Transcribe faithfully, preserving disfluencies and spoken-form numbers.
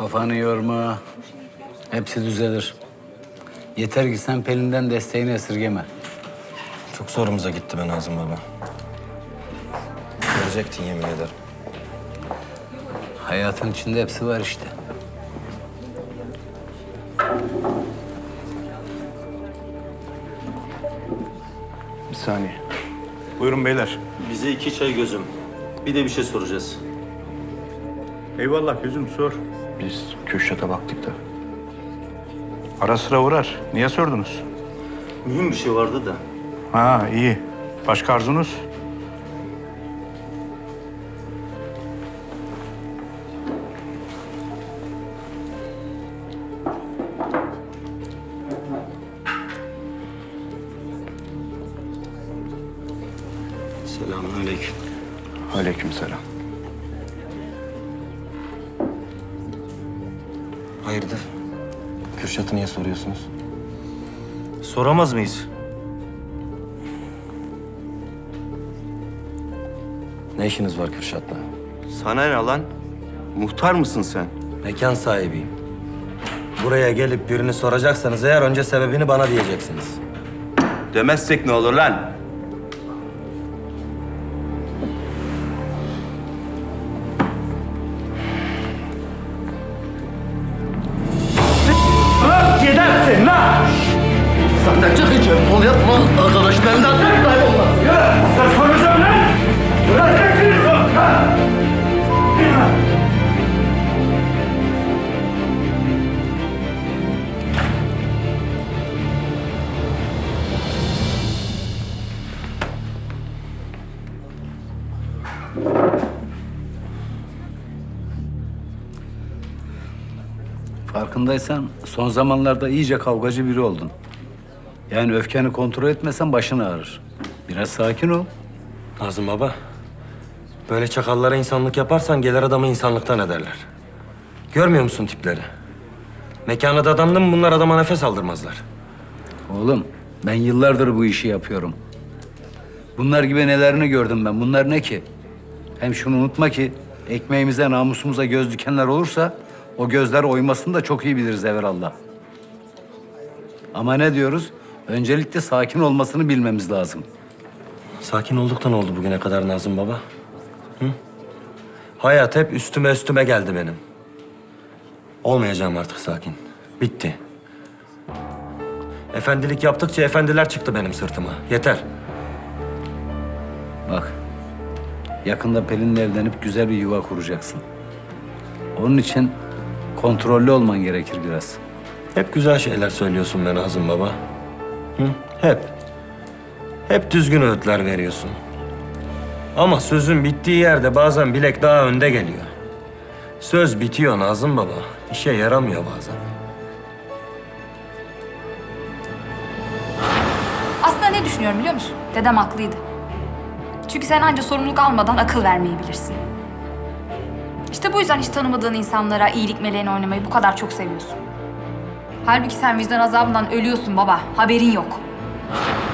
Kafanı yorma. Hepsi düzelir. Yeter ki sen Pelin'den desteğini esirgeme. Çok zorumuza gitti be Nazım baba. Görecektin yemin ederim. Hayatın içinde hepsi var işte. Bir saniye. Buyurun beyler. Bize iki çay gözüm. Bir de bir şey soracağız. Eyvallah gözüm sor. Biz Kürşat'a baktık da. Ara sıra uğrar. Niye sordunuz? Mühim bir şey vardı da. Ha iyi. Başka arzunuz? Selamünaleyküm. Aleykümselam. Hayırdır? Kürşat'ı niye soruyorsunuz? Soramaz mıyız? Ne işiniz var Kürşat'la? Sana ne lan? Muhtar mısın sen? Mekan sahibiyim. Buraya gelip birini soracaksanız eğer önce sebebini bana diyeceksiniz. Demezsek ne olur lan? Gidersin lan! Sen de çıkacağım, kol yapma. Arkadaşlarından tek kaybolmaz. Yürü! Sen soracağım lan! Bırakacaksınız o! Ha! Farkındaysan son zamanlarda iyice kavgacı biri oldun. Yani öfkeni kontrol etmesen başın ağrır. Biraz sakin ol. Nazım baba, böyle çakallara insanlık yaparsan gelir adamı insanlıktan ederler. Görmüyor musun tipleri? Mekana dadandım mı bunlar adama nefes aldırmazlar. Oğlum ben yıllardır bu işi yapıyorum. Bunlar gibi nelerini gördüm ben. Bunlar ne ki? Hem şunu unutma ki ekmeğimize, namusumuza göz dikenler olursa o gözler oymasını da çok iyi biliriz evvelallah. Ama ne diyoruz? Öncelikle sakin olmasını bilmemiz lazım. Sakin olduk da ne oldu bugüne kadar Nazım baba? Hı? Hayat hep üstüme üstüme geldi benim. Olmayacağım artık sakin. Bitti. Efendilik yaptıkça efendiler çıktı benim sırtıma. Yeter. Bak, yakında Pelin'le evlenip güzel bir yuva kuracaksın. Onun için kontrollü olman gerekir biraz. Hep güzel şeyler söylüyorsun be Nazım baba. Hı? Hep. Hep düzgün öğütler veriyorsun. Ama sözün bittiği yerde bazen bilek daha önde geliyor. Söz bitiyor Nazım baba. İşe yaramıyor bazen. Aslında ne düşünüyorum biliyor musun? Dedem haklıydı. Çünkü sen anca sorumluluk almadan akıl vermeyi bilirsin. İşte bu yüzden hiç tanımadığın insanlara iyilik meleğini oynamayı bu kadar çok seviyorsun. Halbuki sen vicdan azabından ölüyorsun baba. Haberin yok.